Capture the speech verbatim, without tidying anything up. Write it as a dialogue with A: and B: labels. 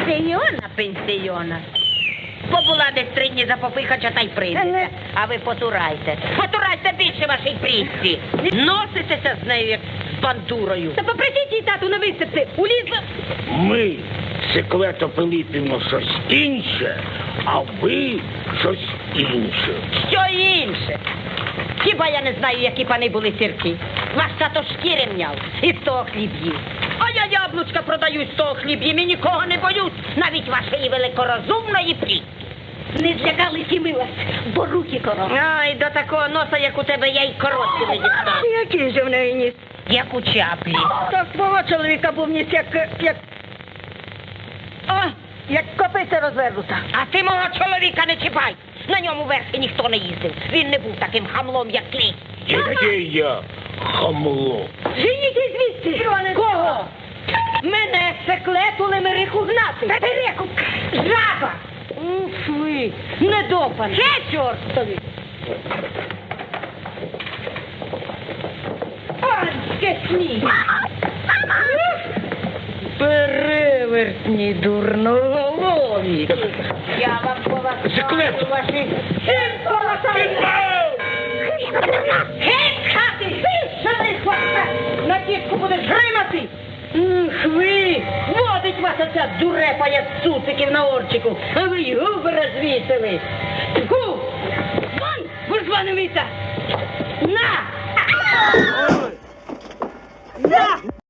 A: Пенсіона, пенсіона. Побула десь три дні за попихача та й прийдеться. А ви потурайте. Потурайте більше вашій прісці. Носитеся з нею, як з бандурою. Та попросіть їй, тату, не висипти. Улізла.
B: Ми секлето пилипимо щось інше, а ви щось інше.
A: Що інше? Хіба я не знаю, які пани були сірки? Ваш тато шкіри мняв і з того хліб їв. А я яблучка продаю з того хліб їм і нікого не боюсь, навіть вашої великорозумної прісці.
C: Не злякались і ми вас, бо руки короткі.
A: Ай, до такого носа, як у тебе, я й короткі не дістану.
C: Який же в неї ніс?
A: Як у чаплі.
C: Так свого чоловіка був ніс, як, як... О, як копиця розвернута.
A: А ти мого чоловіка не чіпай. На ньому верхи ніхто не їздив. Він не був таким хамлом, як ти.
B: Яке я хамло.
C: Женіть звідси!
A: Кого?
C: Мене секлету лемериху гнати.
A: Перекупка! Жаба! Уф ви, недопан! Ще чортові! Анське сніг! Перевертні дурноголові! Я вам поважаю
B: Секлету!
A: ваші... Геть хати! Вишаний хвоста! На тітку будеш гримати! Ух ви! Водить вас оця дурепа, як цуциків на орчику, а ви й губи розвісили! Гу! Вон! буржуа невіта! На! На!